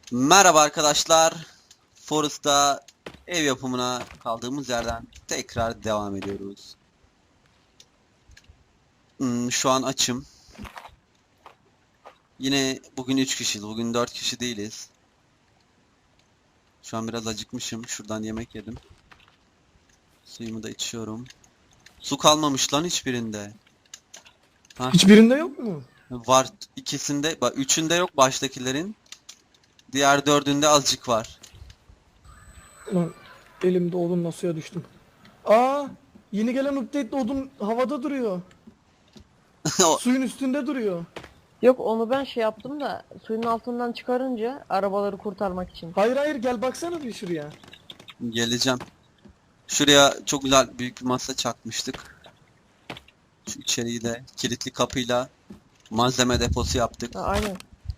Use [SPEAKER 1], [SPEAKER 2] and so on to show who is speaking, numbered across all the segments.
[SPEAKER 1] Merhaba arkadaşlar. Forest'ta ev yapımına kaldığımız yerden tekrar devam ediyoruz. Şu an açım. Yine bugün 3 kişiyiz. Bugün 4 kişi değiliz. Şu an biraz acıkmışım. Şuradan yemek yedim. Suyumu da içiyorum. Su kalmamış lan hiçbirinde. Ha,
[SPEAKER 2] Hiçbirinde yok mu?
[SPEAKER 1] var ikisinde. Bak üçünde yok baştakilerin. Diğer dördünde azıcık var.
[SPEAKER 2] Ulan elimde odunla suya düştüm. Aa, yeni gelen update'de odun havada duruyor.
[SPEAKER 1] O-
[SPEAKER 2] Suyun üstünde duruyor.
[SPEAKER 3] Yok onu ben şey yaptım da suyun altından çıkarınca arabaları kurtarmak için.
[SPEAKER 2] Hayır hayır, gel baksana bir şuraya.
[SPEAKER 1] Geleceğim. Şuraya çok güzel büyük bir masa çakmıştık. Şu içeriği de kilitli kapıyla malzeme deposu yaptık.
[SPEAKER 3] Ha, aynen.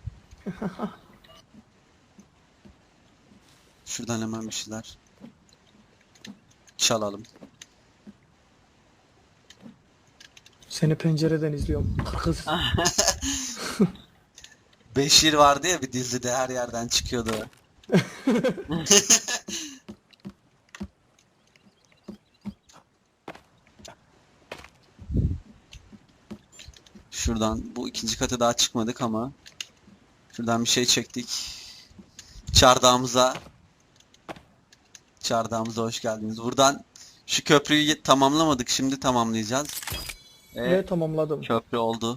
[SPEAKER 1] Şuradan hemen bir şeyler çalalım.
[SPEAKER 2] Seni pencereden izliyorum. Kız.
[SPEAKER 1] Beşir vardı ya bir dizide her yerden çıkıyordu. Şuradan bu ikinci kata daha çıkmadık ama şuradan bir şey çektik. Çardağımıza hoş geldiniz. Buradan şu köprüyü tamamlamadık. Şimdi tamamlayacağız.
[SPEAKER 2] Ve tamamladım.
[SPEAKER 1] Köprü oldu.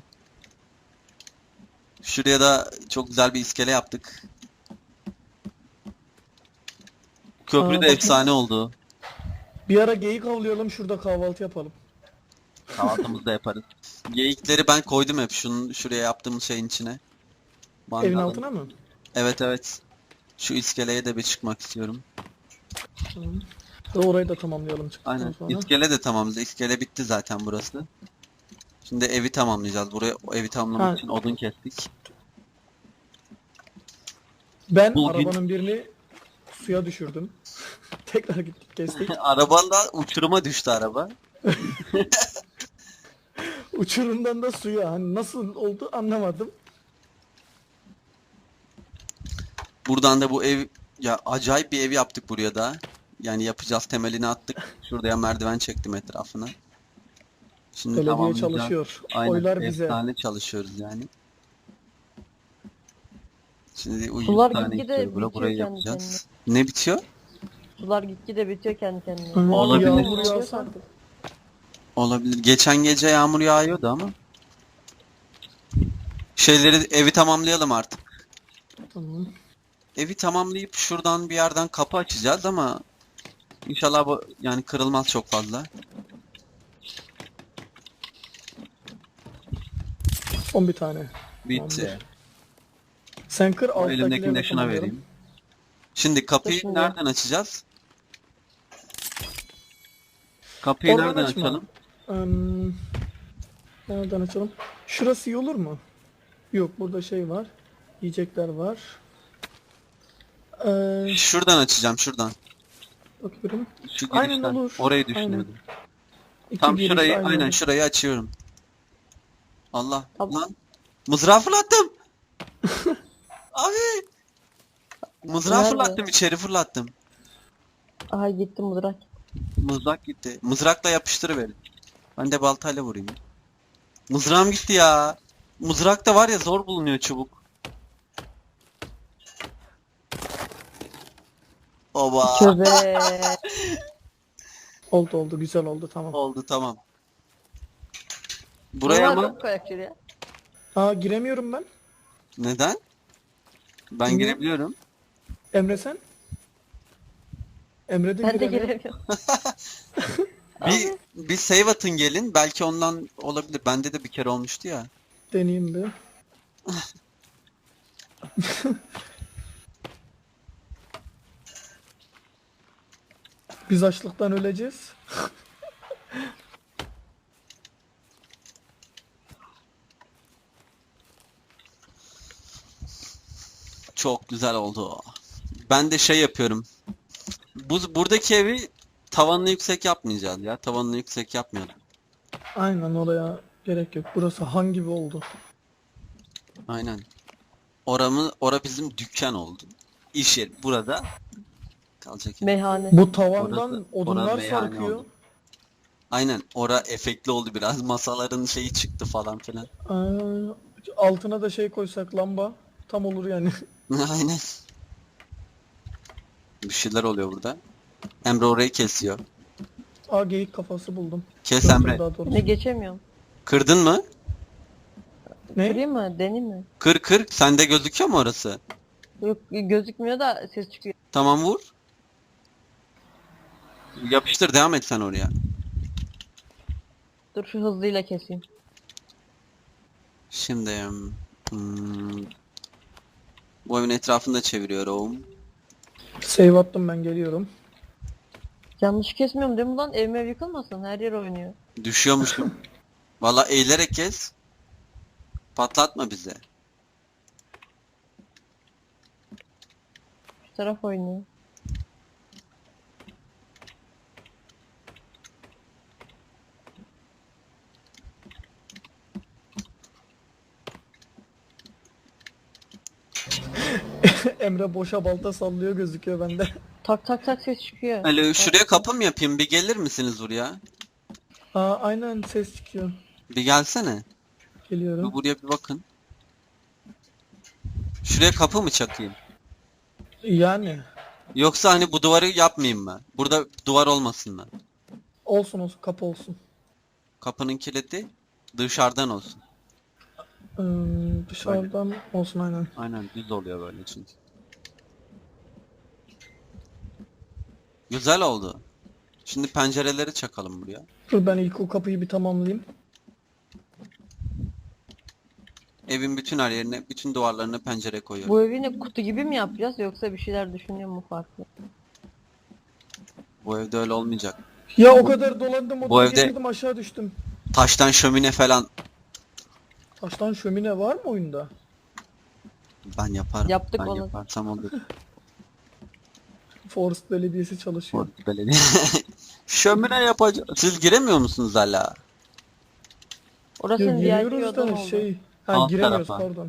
[SPEAKER 1] Şuraya da çok güzel bir iskele yaptık. Köprü de
[SPEAKER 2] bakayım.
[SPEAKER 1] efsane oldu.
[SPEAKER 2] Bir ara geyik avlayalım, şurada kahvaltı yapalım.
[SPEAKER 1] Kahvaltımızı da yaparız. Geyikleri ben koydum hep şuraya yaptığımız şeyin içine.
[SPEAKER 2] Evin
[SPEAKER 1] Mangalın.
[SPEAKER 2] altına mı?
[SPEAKER 1] Evet evet. Şu iskeleye de bir çıkmak istiyorum.
[SPEAKER 2] Tamam. Ve orayı da tamamlayalım çıktıktan
[SPEAKER 1] Aynen.
[SPEAKER 2] sonra.
[SPEAKER 1] İskele de tamamladı. İskele bitti zaten burası. Şimdi evi tamamlayacağız. Buraya o evi tamamlamak
[SPEAKER 2] Ha.
[SPEAKER 1] için odun kestik.
[SPEAKER 2] Ben
[SPEAKER 1] Bugün-
[SPEAKER 2] arabanın birini suya düşürdüm. Tekrar gittik kestik.
[SPEAKER 1] Arabanla uçuruma düştü araba.
[SPEAKER 2] Uçurumdan da suya. Hani nasıl oldu anlamadım.
[SPEAKER 1] Buradan da bu ev ya acayip bir ev yaptık buraya da. Yani yapacağız temelini attık. Şuraya merdiven çektim etrafına. Şimdi
[SPEAKER 2] Belediye
[SPEAKER 1] tamamlayacağız.
[SPEAKER 2] çalışıyor.
[SPEAKER 1] Aynen.
[SPEAKER 2] Oylar bize.
[SPEAKER 1] Efsane çalışıyoruz yani. Şimdi o 100
[SPEAKER 3] Sular
[SPEAKER 1] tane
[SPEAKER 3] gitgide
[SPEAKER 1] istiyor.
[SPEAKER 3] bitiyor
[SPEAKER 1] Burayı
[SPEAKER 3] kendi
[SPEAKER 1] yapacağız. Ne bitiyor?
[SPEAKER 3] Sular gitgide bitiyor kendi kendine.
[SPEAKER 2] Hı,
[SPEAKER 1] Olabilir.
[SPEAKER 2] Yağmur yağsa.
[SPEAKER 1] Olabilir. Geçen gece yağmur yağıyordu ama. Evi tamamlayalım artık.
[SPEAKER 2] Tamam.
[SPEAKER 1] Evi tamamlayıp şuradan bir yerden kapı açacağız ama inşallah bu yani kırılmaz çok fazla.
[SPEAKER 2] Son bir tane.
[SPEAKER 1] Bitti.
[SPEAKER 2] Tamamdır. Sen kır,
[SPEAKER 1] O
[SPEAKER 2] alttakileri
[SPEAKER 1] elimdekini de
[SPEAKER 2] de
[SPEAKER 1] şuna
[SPEAKER 2] tamamlayalım.
[SPEAKER 1] vereyim. Şimdi kapıyı
[SPEAKER 3] Şimdi.
[SPEAKER 1] nereden açacağız? Kapıyı
[SPEAKER 2] Oradan
[SPEAKER 1] nereden
[SPEAKER 2] açma.
[SPEAKER 1] açalım?
[SPEAKER 2] Nereden açalım? Şurası iyi olur mu? Yok, burada şey var. Yiyecekler var.
[SPEAKER 1] Şuradan açacağım şuradan.
[SPEAKER 2] Bakıyorum.
[SPEAKER 1] Şu
[SPEAKER 2] Aynen
[SPEAKER 1] girişten.
[SPEAKER 2] olur.
[SPEAKER 1] Orayı
[SPEAKER 2] Aynen.
[SPEAKER 1] düşünüyordum.
[SPEAKER 2] İki
[SPEAKER 1] Tam
[SPEAKER 2] giriş
[SPEAKER 1] şurayı
[SPEAKER 2] aynı
[SPEAKER 1] aynen
[SPEAKER 2] olur.
[SPEAKER 1] şurayı açıyorum. Allah
[SPEAKER 3] Abi-
[SPEAKER 1] lan. Mızrağı fırlattım. Abi. Mızrağı
[SPEAKER 3] Nerede?
[SPEAKER 1] fırlattım içeri fırlattım.
[SPEAKER 3] Aha gitti mızrak.
[SPEAKER 1] Mızrak gitti. Mızrakla yapıştırıverin. Ben de baltayla vurayım. Mızrağım gitti ya. Mızrak da var ya zor bulunuyor çubuk. Oba.
[SPEAKER 3] Köbe.
[SPEAKER 2] Oldu oldu, güzel oldu, tamam.
[SPEAKER 1] Oldu tamam. Buraya
[SPEAKER 3] Bunlar
[SPEAKER 1] mı?
[SPEAKER 3] çok kayakçı ya.
[SPEAKER 2] Aa, giremiyorum ben.
[SPEAKER 1] Neden? Ben
[SPEAKER 2] Bilmiyorum.
[SPEAKER 1] girebiliyorum.
[SPEAKER 2] Emre sen? Emre de
[SPEAKER 3] Ben de
[SPEAKER 2] giremiyor.
[SPEAKER 3] giremiyorum.
[SPEAKER 1] Bir save atın gelin. Belki ondan olabilir. Bende de bir kere olmuştu ya.
[SPEAKER 2] Deneyeyim bir. Biz açlıktan öleceğiz.
[SPEAKER 1] Çok güzel oldu. Ben de şey yapıyorum. Buradaki evi tavanını yüksek yapmayacağız ya. Tavanını yüksek yapmayalım.
[SPEAKER 2] Aynen, oraya gerek yok. Burası han gibi oldu.
[SPEAKER 1] Aynen. Ora bizim dükkan oldu. iş yeri. Burada kalacak yer.
[SPEAKER 3] Meyhane.
[SPEAKER 2] Bu tavandan
[SPEAKER 1] Orası-
[SPEAKER 2] odunlar
[SPEAKER 1] orası meyhane
[SPEAKER 2] sarkıyor.
[SPEAKER 1] oldu. Aynen. Ora efektli oldu biraz. Masaların şeyi çıktı falan filan.
[SPEAKER 2] Altına da şey koysak lamba tam olur yani.
[SPEAKER 1] Aynen. Bir şeyler oluyor burada. Emre orayı kesiyor.
[SPEAKER 2] Aa geyik kafası buldum.
[SPEAKER 1] Kes
[SPEAKER 2] Gördüm
[SPEAKER 1] Emre.
[SPEAKER 2] daha doğrusu.
[SPEAKER 3] Ne geçemiyorum.
[SPEAKER 1] Kırdın mı?
[SPEAKER 2] Ne?
[SPEAKER 3] Kırayım mı? Deneyim mi?
[SPEAKER 1] Kır kır. Sende gözüküyor mu orası?
[SPEAKER 3] Yok gözükmüyor da ses çıkıyor.
[SPEAKER 1] Tamam vur. Yapıştır devam et sen oraya.
[SPEAKER 3] Dur şu hızlıyla keseyim.
[SPEAKER 1] Şimdi bu evin etrafında çeviriyorum.
[SPEAKER 2] Save attım ben geliyorum.
[SPEAKER 3] Yanlış kesmiyorum değil mi lan? Evime yıkılmasın. Her yer oynuyor.
[SPEAKER 1] Düşüyormuşum. Valla eğilerek kes. Patlatma bize.
[SPEAKER 3] Şu taraf oynuyor.
[SPEAKER 2] Emre boşa balta sallıyor gözüküyor bende.
[SPEAKER 3] Tak tak tak ses çıkıyor.
[SPEAKER 1] Alo şuraya kapı mı yapayım? Bir gelir misiniz buraya?
[SPEAKER 2] Aa aynen ses çıkıyor.
[SPEAKER 1] Bir gelsene.
[SPEAKER 2] Geliyorum.
[SPEAKER 1] Bir buraya bir bakın. Şuraya kapı mı çakayım?
[SPEAKER 2] Yani
[SPEAKER 1] Yoksa hani bu duvarı yapmayayım mı? Burada duvar olmasın mı?
[SPEAKER 2] olsun olsun kapı olsun.
[SPEAKER 1] Kapının kilidi dışarıdan olsun.
[SPEAKER 2] Dışarıdan olsun aynen.
[SPEAKER 1] Aynen düz oluyor böyle çünkü. Güzel oldu. Şimdi pencereleri çakalım buraya.
[SPEAKER 2] Dur ben ilk o kapıyı bir tamamlayayım.
[SPEAKER 1] Evin bütün her yerine, bütün duvarlarına pencere koyuyorum.
[SPEAKER 3] Bu evi ne kutu gibi mi yapacağız yoksa bir şeyler düşünüyor mu farklı?
[SPEAKER 1] Bu evde öyle olmayacak.
[SPEAKER 2] Ya o kadar dolandım
[SPEAKER 1] Bu
[SPEAKER 2] odaya
[SPEAKER 1] evde-
[SPEAKER 2] girdim aşağı düştüm.
[SPEAKER 1] Taştan şömine falan
[SPEAKER 2] Taştan şömine var mı oyunda?
[SPEAKER 1] ben yaparım.
[SPEAKER 3] Yaptık
[SPEAKER 1] ben
[SPEAKER 3] onu.
[SPEAKER 1] yaparsam olur.
[SPEAKER 2] Forest Belediyesi çalışıyor.
[SPEAKER 1] Belediye. Şömine yapacağız. Siz giremiyor musunuz hala?
[SPEAKER 2] Ya
[SPEAKER 3] Orasının diğer
[SPEAKER 2] giriyoruz
[SPEAKER 3] odan
[SPEAKER 2] da
[SPEAKER 3] oldu.
[SPEAKER 2] şey... Ha
[SPEAKER 1] Alt
[SPEAKER 2] giremiyoruz
[SPEAKER 1] tarafa.
[SPEAKER 2] pardon.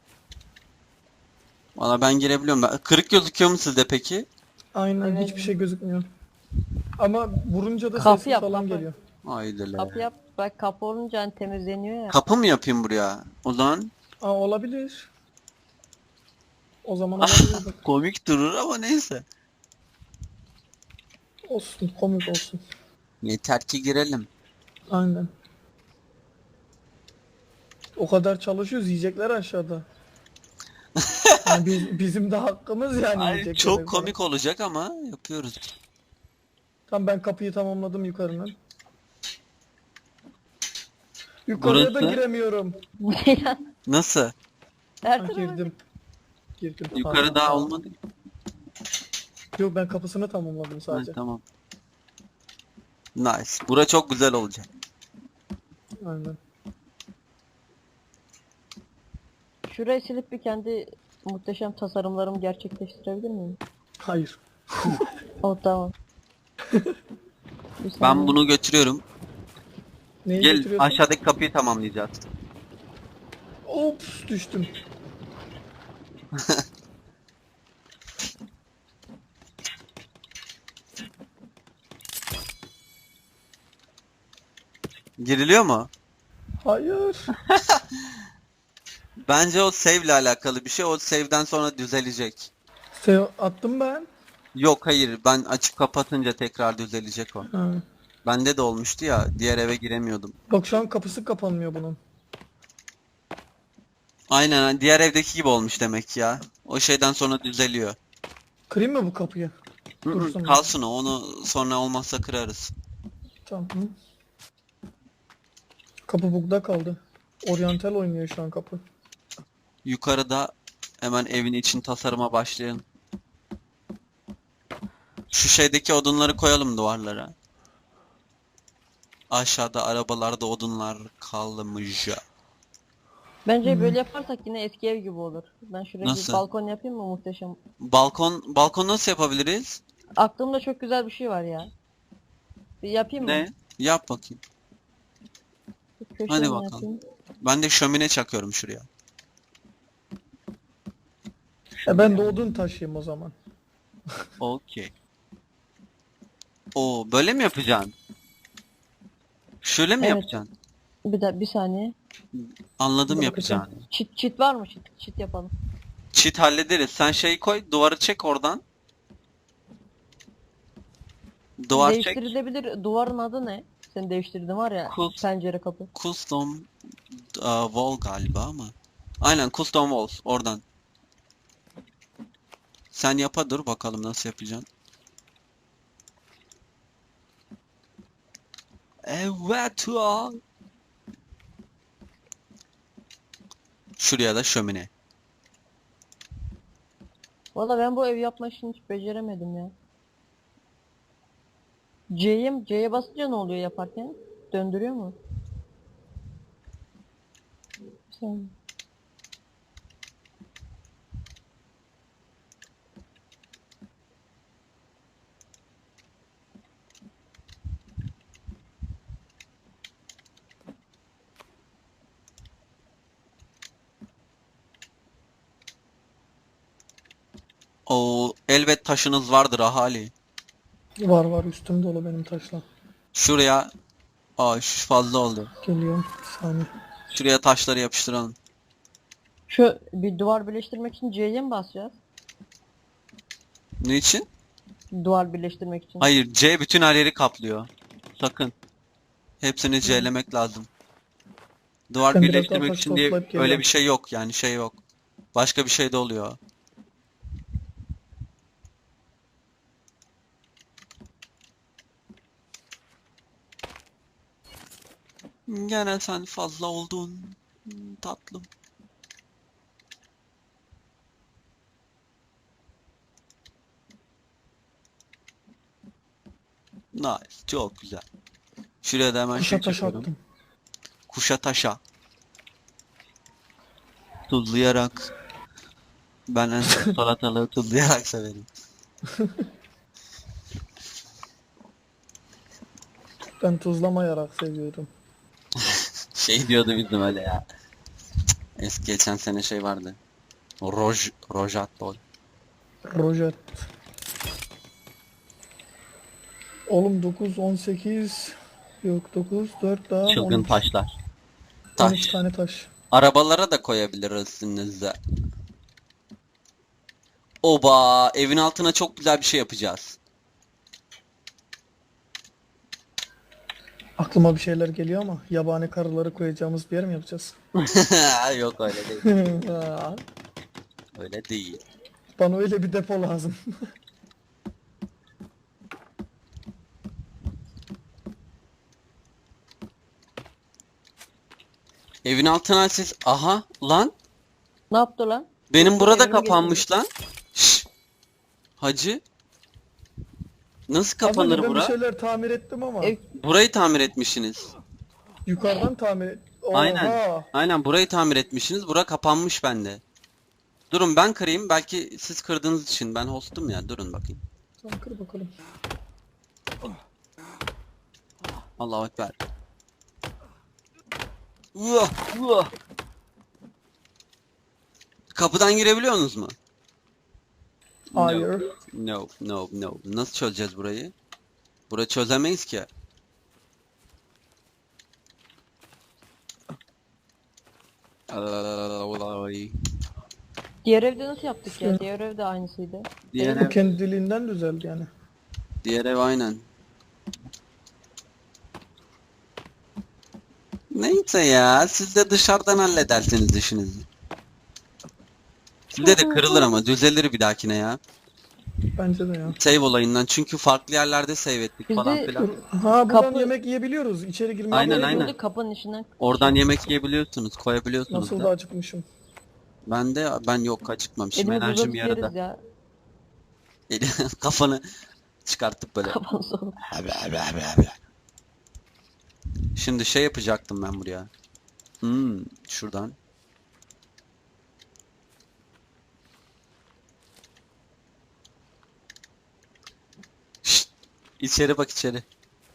[SPEAKER 1] Valla ben girebiliyorum. Kırık gözüküyor mu sizde peki?
[SPEAKER 2] Aynen
[SPEAKER 3] Evet.
[SPEAKER 2] hiçbir şey gözükmüyor. Ama vurunca da
[SPEAKER 3] Kapı
[SPEAKER 2] sessiz
[SPEAKER 3] yap,
[SPEAKER 2] falan
[SPEAKER 3] kapı.
[SPEAKER 2] geliyor.
[SPEAKER 1] Haydi
[SPEAKER 3] Kapı yap. Bak kapı olunca hani temizleniyor ya.
[SPEAKER 1] Kapı mı yapayım buraya? O zaman
[SPEAKER 2] Aa olabilir. O zaman olabilir bak.
[SPEAKER 1] komik durur ama neyse.
[SPEAKER 2] Olsun komik olsun.
[SPEAKER 1] Yeter ki girelim.
[SPEAKER 2] Aynen. O kadar çalışıyoruz yiyecekler aşağıda. Yani bizim de hakkımız yani
[SPEAKER 1] Ay,
[SPEAKER 2] yiyecekler.
[SPEAKER 1] çok komik olacak ama yapıyoruz.
[SPEAKER 2] Tamam ben kapıyı tamamladım yukarıdan. Yukarıya da
[SPEAKER 1] Burası?
[SPEAKER 2] giremiyorum.
[SPEAKER 3] Bu ne ya?
[SPEAKER 1] Nasıl?
[SPEAKER 3] Her
[SPEAKER 2] Ha,
[SPEAKER 3] tarafa
[SPEAKER 2] girdim. Girdim.
[SPEAKER 1] Yukarı
[SPEAKER 2] Tamam,
[SPEAKER 1] daha
[SPEAKER 2] tamam.
[SPEAKER 1] olmadı.
[SPEAKER 2] Yok ben kapısını tamamladım
[SPEAKER 1] Ha,
[SPEAKER 2] sadece.
[SPEAKER 1] tamam. Nice. Bura çok güzel olacak.
[SPEAKER 2] Aynen.
[SPEAKER 3] Şurayı silip bir kendi muhteşem tasarımlarımı gerçekleştirebilir miyim?
[SPEAKER 2] Hayır.
[SPEAKER 3] Oh tamam. Bir
[SPEAKER 1] Ben
[SPEAKER 3] saniye.
[SPEAKER 1] bunu götürüyorum.
[SPEAKER 2] Neyi
[SPEAKER 1] Gel
[SPEAKER 2] götürüyorsun?
[SPEAKER 1] aşağıdaki kapıyı tamamlayacağız.
[SPEAKER 2] Ops düştüm.
[SPEAKER 1] Giriliyor mu?
[SPEAKER 2] Hayır.
[SPEAKER 1] Bence o save ile alakalı bir şey. O save'den sonra düzelecek.
[SPEAKER 2] Attım ben.
[SPEAKER 1] Yok hayır ben açıp kapatınca tekrar düzelecek o.
[SPEAKER 2] Ha.
[SPEAKER 1] Bende de olmuştu ya diğer eve giremiyordum.
[SPEAKER 2] Bak şu an kapısı kapanmıyor bunun.
[SPEAKER 1] Aynen diğer evdeki gibi olmuş demek ya. O şeyden sonra düzeliyor.
[SPEAKER 2] Kırayım mı bu kapıyı? Dursun.
[SPEAKER 1] Kalsın o onu sonra olmazsa kırarız.
[SPEAKER 2] Tamam. Kapı bugda kaldı. Oryantal oynuyor şu an kapı.
[SPEAKER 1] Yukarıda hemen evin için tasarıma başlayalım. Şu şeydeki odunları koyalım duvarlara. Aşağıda arabalarda odunlar kalmış.
[SPEAKER 3] Bence böyle yaparsak yine eski ev gibi olur. Ben şuraya
[SPEAKER 1] Nasıl?
[SPEAKER 3] bir balkon yapayım mı muhteşem?
[SPEAKER 1] Balkon nasıl yapabiliriz?
[SPEAKER 3] Aklımda çok güzel bir şey var ya. Bir yapayım mı?
[SPEAKER 1] Ne? Yap bakayım.
[SPEAKER 3] Bir köşeden
[SPEAKER 1] Hadi bakalım.
[SPEAKER 3] yapayım.
[SPEAKER 1] Ben de şömine çakıyorum şuraya.
[SPEAKER 2] Ben de odun taşıyayım o zaman.
[SPEAKER 1] Okey. Oo, böyle mi yapacaksın? Şöyle mi
[SPEAKER 3] Evet.
[SPEAKER 1] yapacaksın?
[SPEAKER 3] Bir saniye.
[SPEAKER 1] Anladım
[SPEAKER 2] Dur
[SPEAKER 1] yapacağını.
[SPEAKER 2] bakacağım.
[SPEAKER 3] Çit var mı? Çit yapalım.
[SPEAKER 1] Cheat hallederiz. Sen şeyi koy, duvarı çek oradan. Duvar çek.
[SPEAKER 3] Değiştirilebilir. Duvarın adı ne? Sen değiştirdin var ya.
[SPEAKER 1] Kus-
[SPEAKER 3] Pencere kapı.
[SPEAKER 1] Custom wall galiba ama. Aynen custom walls oradan. Sen yapa dur bakalım nasıl yapacaksın. Evet ya. Şuraya da şömine.
[SPEAKER 3] Valla ben bu ev yapma işini hiç beceremedim ya. C'ye basınca ne oluyor yaparken? Döndürüyor mu? Sen.
[SPEAKER 1] O elbet taşınız vardır ahali.
[SPEAKER 2] Var üstüm dolu benim taşla.
[SPEAKER 1] Şuraya. Aa şu fazla oldu.
[SPEAKER 2] Geliyorum. Bir saniye.
[SPEAKER 1] Şuraya taşları yapıştıralım.
[SPEAKER 3] Şu bir duvar birleştirmek için C'ye mi basacağız?
[SPEAKER 1] Niçin?
[SPEAKER 3] Duvar birleştirmek için.
[SPEAKER 1] Hayır, C bütün her yeri kaplıyor. Sakın. Hepsini C'lemek lazım. Duvar
[SPEAKER 2] Ben biraz daha
[SPEAKER 1] birleştirmek
[SPEAKER 2] taş
[SPEAKER 1] için diye
[SPEAKER 2] toplayıp
[SPEAKER 1] öyle
[SPEAKER 2] geliyorum.
[SPEAKER 1] bir şey yok yani şey yok. Başka bir şey de oluyor. Gene sen fazla oldun. Tatlım. Nice. Çok güzel. Şuraya da hemen
[SPEAKER 2] Kuşa
[SPEAKER 1] şey
[SPEAKER 2] taş
[SPEAKER 1] çekiyorum.
[SPEAKER 2] attım.
[SPEAKER 1] Kuşa taşa. Tuzlayarak. Ben en çok salatalığı tuzlayarak severim.
[SPEAKER 2] Ben tuzlamayarak seviyorum.
[SPEAKER 1] Şey diyordu bizim öyle ya. Eski geçen sene şey vardı. Rojatol.
[SPEAKER 2] Rojet. Oğlum 9, 18. Yok 9, 4 daha
[SPEAKER 1] Çılgın
[SPEAKER 2] 12.
[SPEAKER 1] taşlar.
[SPEAKER 2] 12
[SPEAKER 1] Taş.
[SPEAKER 2] tane taş.
[SPEAKER 1] Arabalara da koyabiliriz üstünüze. Oba, evin altına çok güzel bir şey yapacağız.
[SPEAKER 2] Aklıma bir şeyler geliyor ama yabani karıları koyacağımız bir yer mi yapacağız?
[SPEAKER 1] Yok öyle değil.
[SPEAKER 2] Aa,
[SPEAKER 1] Öyle değil.
[SPEAKER 2] Bana öyle bir depo lazım.
[SPEAKER 1] Evin altına siz... Aha lan.
[SPEAKER 3] Ne yaptı lan?
[SPEAKER 1] Benim burada
[SPEAKER 3] Evimi
[SPEAKER 1] kapanmış lan. Şşş. Hacı. Nasıl
[SPEAKER 2] Az önce
[SPEAKER 1] kapanır
[SPEAKER 2] ben bir
[SPEAKER 1] bura?
[SPEAKER 2] şeyler tamir ettim ama
[SPEAKER 3] Ev-
[SPEAKER 1] Burayı tamir etmişsiniz.
[SPEAKER 2] yukarıdan tamir et.
[SPEAKER 1] Aynen.
[SPEAKER 2] Oha!
[SPEAKER 1] Aynen burayı tamir etmişsiniz. Bura kapanmış bende. Durun ben kırayım. Belki siz kırdığınız için. Ben hostum ya. Durun bakayım.
[SPEAKER 2] Tamam kır bakalım.
[SPEAKER 1] Allahu Ekber. Uah, uah. Kapıdan girebiliyorsunuz mu?
[SPEAKER 2] Hayır.
[SPEAKER 1] No. Nasıl çözeceğiz burayı? Burayı çözemeyiz ki. Ay.
[SPEAKER 3] Diğer evde nasıl yaptık ya? Diğer evde aynısıydı.
[SPEAKER 1] Diğer
[SPEAKER 2] Bu
[SPEAKER 1] ev,
[SPEAKER 2] kendiliğinden düzeldi yani.
[SPEAKER 1] diğer ev aynen. Neyse ya, siz de dışarıdan halledersiniz işinizi. Sizde de kırılır ama düzelir bir dahakine ya.
[SPEAKER 2] Bence de ya.
[SPEAKER 1] Save olayından çünkü farklı yerlerde save ettik
[SPEAKER 3] Biz
[SPEAKER 1] falan
[SPEAKER 3] de-
[SPEAKER 1] filan.
[SPEAKER 2] Ha buradan
[SPEAKER 3] Kapı-
[SPEAKER 2] yemek yiyebiliyoruz. İçeri girmeye
[SPEAKER 1] Aynen,
[SPEAKER 2] gerek
[SPEAKER 1] aynen.
[SPEAKER 2] yok.
[SPEAKER 3] Burada kapının içinden.
[SPEAKER 1] Oradan yemek yiyebiliyorsunuz, koyabiliyorsunuz
[SPEAKER 2] Nasıl
[SPEAKER 1] da.
[SPEAKER 2] da acıkmışım.
[SPEAKER 1] Ben yok acıkmamışım.
[SPEAKER 3] Elimiz
[SPEAKER 1] Enerjim
[SPEAKER 3] uzatıp yeriz
[SPEAKER 1] yarıda.
[SPEAKER 3] ya.
[SPEAKER 1] Kafanı çıkartıp böyle.
[SPEAKER 3] Kafanı soğuk.
[SPEAKER 1] Şimdi şey yapacaktım ben buraya. Şuradan. Şşt, içeri bak içeri.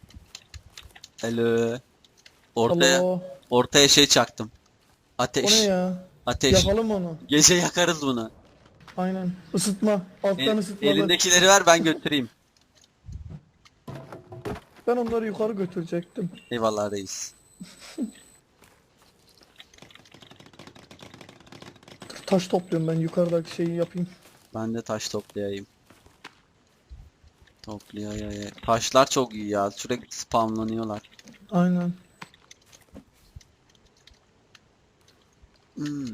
[SPEAKER 1] Alo. Ortaya
[SPEAKER 2] Alo.
[SPEAKER 1] ortaya şey çaktım.
[SPEAKER 2] O
[SPEAKER 1] Ateş.
[SPEAKER 2] ne ya?
[SPEAKER 1] Ateş.
[SPEAKER 2] Yapalım onu.
[SPEAKER 1] Gece yakarız bunu.
[SPEAKER 2] Aynen. Isıtma. Alttan ısıtmalı.
[SPEAKER 1] Elindekileri ver ben götüreyim.
[SPEAKER 2] Ben onları yukarı götürecektim.
[SPEAKER 1] Eyvallah reis.
[SPEAKER 2] Taş topluyorum ben yukarıdaki şeyi yapayım.
[SPEAKER 1] Ben de taş toplayayım. Toplayayım. Taşlar çok iyi ya. Sürekli spamlanıyorlar.
[SPEAKER 2] Aynen.
[SPEAKER 1] Hmm.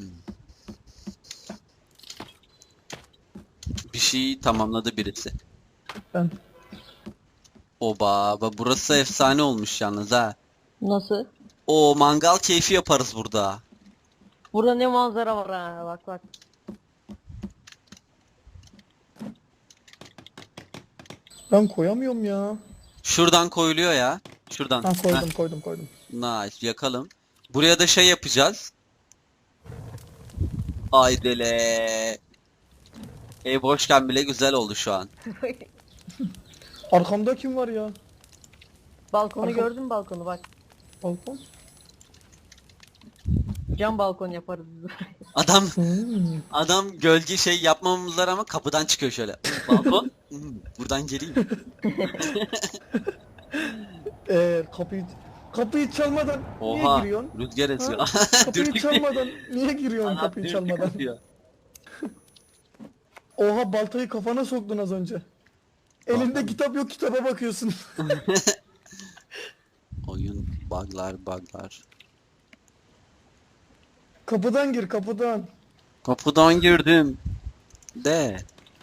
[SPEAKER 1] Bir şey tamamladı birisi.
[SPEAKER 2] Ben.
[SPEAKER 1] Oba, burası efsane olmuş yalnız ha.
[SPEAKER 3] Nasıl?
[SPEAKER 1] O mangal keyfi yaparız burada.
[SPEAKER 3] Burada ne manzara var ha, bak bak.
[SPEAKER 2] Ben koyamıyorum ya.
[SPEAKER 1] Şuradan koyuluyor ya. Şuradan.
[SPEAKER 2] Ha koydum
[SPEAKER 1] Heh,
[SPEAKER 2] koydum.
[SPEAKER 1] nice, yakalım. Buraya da şey yapacağız. Aydele. Ev boşken bile güzel oldu şu an.
[SPEAKER 2] Arkamda kim var ya?
[SPEAKER 3] Balkonu
[SPEAKER 2] Arka-
[SPEAKER 3] gördün mü, balkonu bak.
[SPEAKER 2] Balkon.
[SPEAKER 3] Cam balkon yaparız biz.
[SPEAKER 1] Adam
[SPEAKER 2] Hmm.
[SPEAKER 1] adam gölge şey yapmamız var ama kapıdan çıkıyor şöyle. Balkon. Buradan geleyim.
[SPEAKER 2] Kapıyı çalmadan niye
[SPEAKER 1] Oha.
[SPEAKER 2] giriyorsun?
[SPEAKER 1] Rüzgar esiyor.
[SPEAKER 2] Kapıyı
[SPEAKER 1] Dürtük
[SPEAKER 2] çalmadan niye giriyorsun
[SPEAKER 1] Adam
[SPEAKER 2] kapıyı
[SPEAKER 1] dürtük
[SPEAKER 2] çalmadan?
[SPEAKER 1] atıyor.
[SPEAKER 2] Oha baltayı kafana soktun az önce. Elinde
[SPEAKER 1] Vallahi.
[SPEAKER 2] kitap yok kitaba bakıyorsun.
[SPEAKER 1] Oyun buglar.
[SPEAKER 2] Kapıdan gir kapıdan.
[SPEAKER 1] Kapıdan girdim. De.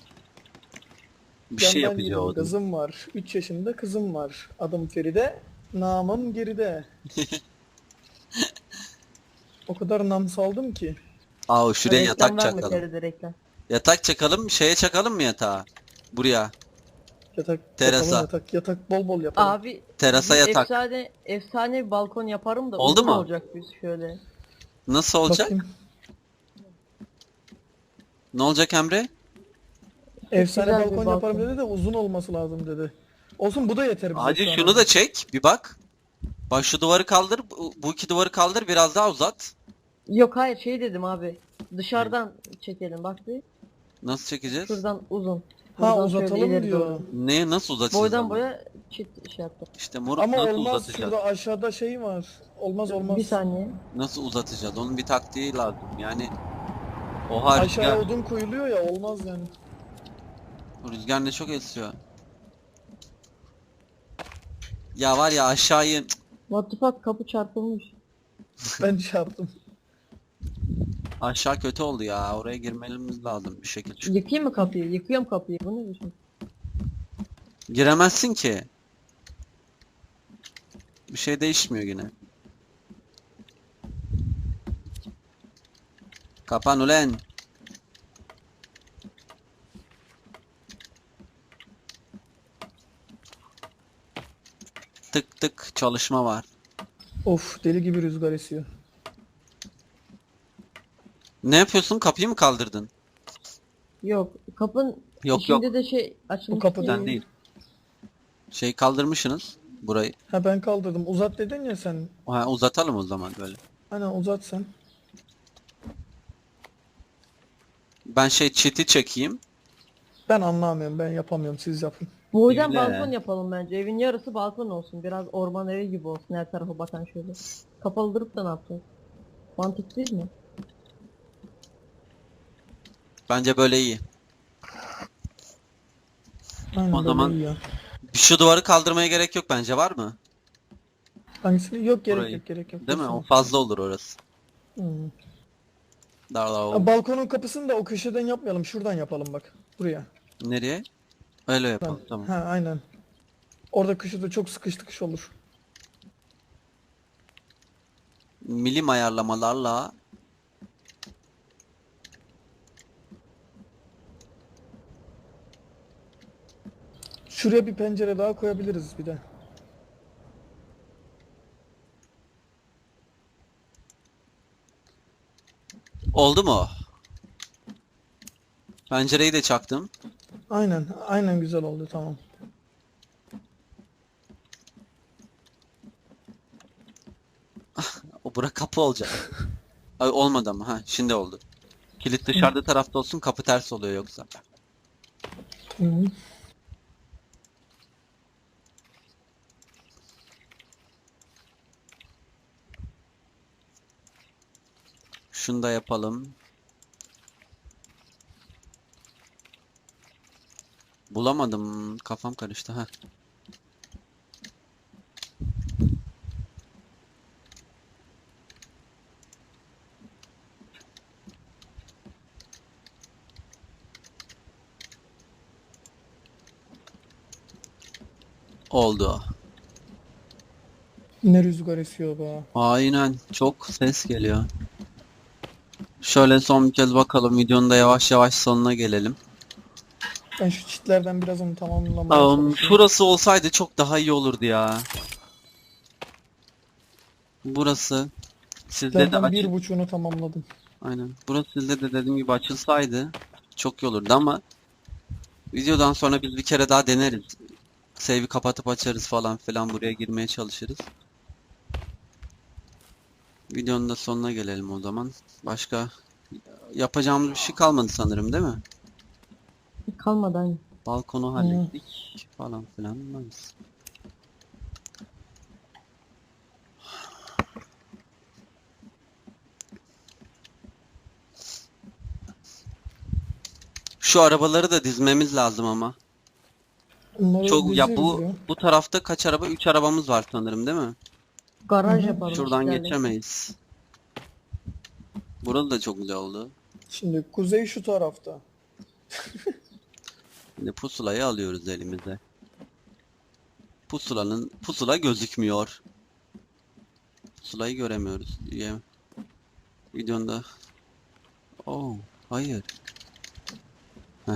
[SPEAKER 1] Bir şey
[SPEAKER 2] Yandan
[SPEAKER 1] yapacağım
[SPEAKER 2] giriyorum.
[SPEAKER 1] o da.
[SPEAKER 2] Kızım var. 3 yaşında kızım var. Adım Feride. Namım geride. O kadar nam saldım ki.
[SPEAKER 1] Aa şuraya
[SPEAKER 3] Reklam
[SPEAKER 1] yatak
[SPEAKER 3] verme,
[SPEAKER 1] çakalım.
[SPEAKER 3] TRT reklam.
[SPEAKER 1] Yatak çakalım. Şeye çakalım mı yatağı? Buraya.
[SPEAKER 2] Yatak
[SPEAKER 1] Terasa.
[SPEAKER 2] yapalım, yatak bol bol yapalım.
[SPEAKER 3] Abi
[SPEAKER 1] Terasa
[SPEAKER 3] bir
[SPEAKER 1] yatak.
[SPEAKER 3] efsane bir balkon yaparım da
[SPEAKER 1] Oldu
[SPEAKER 3] uzun
[SPEAKER 1] mu?
[SPEAKER 3] olacak biz şöyle.
[SPEAKER 1] Nasıl olacak?
[SPEAKER 2] Bakayım.
[SPEAKER 1] Ne olacak Emre?
[SPEAKER 2] Efsane
[SPEAKER 3] güzel bir
[SPEAKER 2] balkon
[SPEAKER 3] balkon.
[SPEAKER 2] yaparım dedi de uzun olması lazım dedi. Olsun bu da yeter bize
[SPEAKER 1] Hacı
[SPEAKER 2] şu an
[SPEAKER 1] şunu
[SPEAKER 2] abi.
[SPEAKER 1] da çek. Bir bak. Bak şu duvarı kaldır. Bu iki duvarı kaldır. Biraz daha uzat.
[SPEAKER 3] Yok hayır, şey dedim abi. Dışarıdan çekelim bak bir.
[SPEAKER 1] Nasıl çekeceğiz?
[SPEAKER 3] Şuradan uzun.
[SPEAKER 2] Ha
[SPEAKER 3] Buradan şöyle
[SPEAKER 2] uzatalım
[SPEAKER 3] ileri
[SPEAKER 2] diyor.
[SPEAKER 3] doğru.
[SPEAKER 1] Ne nasıl uzatacağız
[SPEAKER 3] Boydan
[SPEAKER 1] onu?
[SPEAKER 3] boya çift şey yaptım.
[SPEAKER 1] İşte moruk
[SPEAKER 2] Ama
[SPEAKER 1] nasıl
[SPEAKER 2] olmaz
[SPEAKER 1] uzatacağız?
[SPEAKER 2] şurada aşağıda şey var. Olmaz.
[SPEAKER 3] Bir saniye.
[SPEAKER 1] Nasıl uzatacağız? Onun bir taktiği lazım. Yani oha
[SPEAKER 2] Aşağıya
[SPEAKER 1] rüzgar.
[SPEAKER 2] odun koyuluyor ya olmaz yani.
[SPEAKER 1] Rüzgar ne çok esiyor. Ya var ya aşağıyı
[SPEAKER 3] What the fuck, kapı çarpılmış.
[SPEAKER 2] Ben şey yaptım.
[SPEAKER 1] aşağı kötü oldu ya. Oraya girmemiz lazım bir şekilde.
[SPEAKER 3] Yıkayım mı kapıyı? Yıkıyorum kapıyı. Bu ne biçim?
[SPEAKER 1] Giremezsin ki. Bir şey değişmiyor yine. Kapan ulen. Tık tık çalışma var.
[SPEAKER 2] Of deli gibi rüzgar esiyor.
[SPEAKER 1] Ne yapıyorsun? Kapıyı mı kaldırdın?
[SPEAKER 3] Yok. Kapın
[SPEAKER 1] Yok,
[SPEAKER 3] içinde de şey açılmış.
[SPEAKER 2] Bu kapı
[SPEAKER 3] değil.
[SPEAKER 1] Sen değil. Şey kaldırmışsınız burayı.
[SPEAKER 2] Ha ben kaldırdım. Uzat dedin ya sen.
[SPEAKER 1] Ha, uzatalım o zaman böyle.
[SPEAKER 2] Hani uzat sen.
[SPEAKER 1] Ben şey çiti çekeyim.
[SPEAKER 2] Ben anlamıyorum ben yapamıyorum siz yapın.
[SPEAKER 3] Boydan
[SPEAKER 1] Öyle.
[SPEAKER 3] balkon yapalım bence. Evin yarısı balkon olsun. Biraz orman evi gibi olsun. Her tarafa bakan şöyle. Kapalı durup da ne yapacağız? Mantık değil mi?
[SPEAKER 1] Bence böyle iyi.
[SPEAKER 2] Aynen
[SPEAKER 1] O
[SPEAKER 2] böyle
[SPEAKER 1] zaman-
[SPEAKER 2] iyi ya.
[SPEAKER 1] Şu duvarı kaldırmaya gerek yok bence, var mı?
[SPEAKER 2] Hangisini? Yok gerek
[SPEAKER 1] Burayı.
[SPEAKER 2] yok gerek yok.
[SPEAKER 1] Değil mi? O
[SPEAKER 2] Dursun.
[SPEAKER 1] fazla olur orası.
[SPEAKER 2] Hmm.
[SPEAKER 1] Darla
[SPEAKER 2] Ha, balkonun kapısını da o köşeden yapmayalım. Şuradan yapalım bak. Buraya.
[SPEAKER 1] Nereye? Öyle
[SPEAKER 2] Ben.
[SPEAKER 1] yapalım tamam.
[SPEAKER 2] Ha aynen. Orada köşede çok sıkış tıkış olur.
[SPEAKER 1] Milim ayarlamalarla
[SPEAKER 2] Şuraya bir pencere daha koyabiliriz bir de.
[SPEAKER 1] oldu mu? Pencereyi de çaktım.
[SPEAKER 2] Aynen güzel oldu tamam.
[SPEAKER 1] O bura kapı olacak. Ay olmadı ama ha şimdi oldu. Kilit dışarıda tarafta olsun, kapı ters oluyor yoksa.
[SPEAKER 2] Hı.
[SPEAKER 1] Şunu da yapalım. Bulamadım. Kafam karıştı. Heh. Oldu.
[SPEAKER 2] Ne rüzgar esiyor be.
[SPEAKER 1] Aynen. Çok ses geliyor. Şöyle son bir kez bakalım. Videonun da yavaş yavaş sonuna gelelim.
[SPEAKER 2] Ben şu çitlerden biraz onu tamamlamaya çalışıyorum.
[SPEAKER 1] Şurası olsaydı çok daha iyi olurdu ya. Burası sizde de
[SPEAKER 2] Çitlerden
[SPEAKER 1] açık.
[SPEAKER 2] bir buçuğunu tamamladım.
[SPEAKER 1] Aynen. Burası sizde de dediğim gibi açılsaydı çok iyi olurdu ama videodan sonra biz bir kere daha deneriz. Save'i kapatıp açarız falan filan, buraya girmeye çalışırız. Videonun da sonuna gelelim o zaman. Başka yapacağımız bir şey kalmadı sanırım, değil mi?
[SPEAKER 3] Kalmadı hani.
[SPEAKER 1] Balkonu hallettik falan filan. Nice. Şu arabaları da dizmemiz lazım ama.
[SPEAKER 2] Onları
[SPEAKER 1] Çok ya,
[SPEAKER 2] dizeriz ya.
[SPEAKER 1] bu tarafta kaç araba? 3 arabamız var sanırım, değil mi?
[SPEAKER 3] Garaj
[SPEAKER 2] Hı hı.
[SPEAKER 3] yapalım.
[SPEAKER 1] Şuradan
[SPEAKER 3] çitlerle.
[SPEAKER 1] geçemeyiz. Burası da çok güzel oldu.
[SPEAKER 2] Şimdi kuzey şu tarafta.
[SPEAKER 1] Şimdi pusulayı alıyoruz elimize. Pusula gözükmüyor. Pusulayı göremiyoruz diye. Videonda. Oh, hayır. Heh.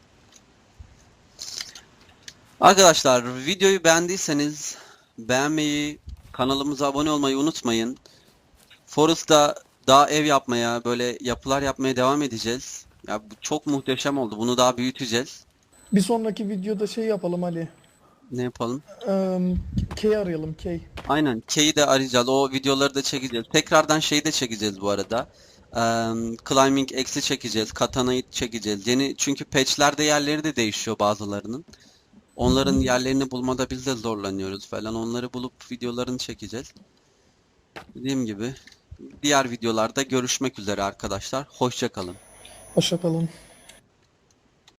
[SPEAKER 1] Arkadaşlar, videoyu beğendiyseniz beğenmeyi, kanalımıza abone olmayı unutmayın. Forest'ta daha ev yapmaya, böyle yapılar yapmaya devam edeceğiz. Ya bu çok muhteşem oldu. Bunu daha büyüteceğiz.
[SPEAKER 2] Bir sonraki videoda şey yapalım Ali.
[SPEAKER 1] Ne yapalım?
[SPEAKER 2] Kay arayalım Kay.
[SPEAKER 1] Aynen. K'yi de arayacağız. O videoları da çekeceğiz. Tekrardan şeyi de çekeceğiz bu arada. Climbing X'i çekeceğiz. Katana'yı çekeceğiz. Yeni, çünkü patch'lerde yerleri de değişiyor bazılarının. Onların yerlerini bulmada biz de zorlanıyoruz falan. Onları bulup videolarını çekeceğiz. Dediğim gibi diğer videolarda görüşmek üzere arkadaşlar. Hoşça kalın.
[SPEAKER 2] Hoşça kalın.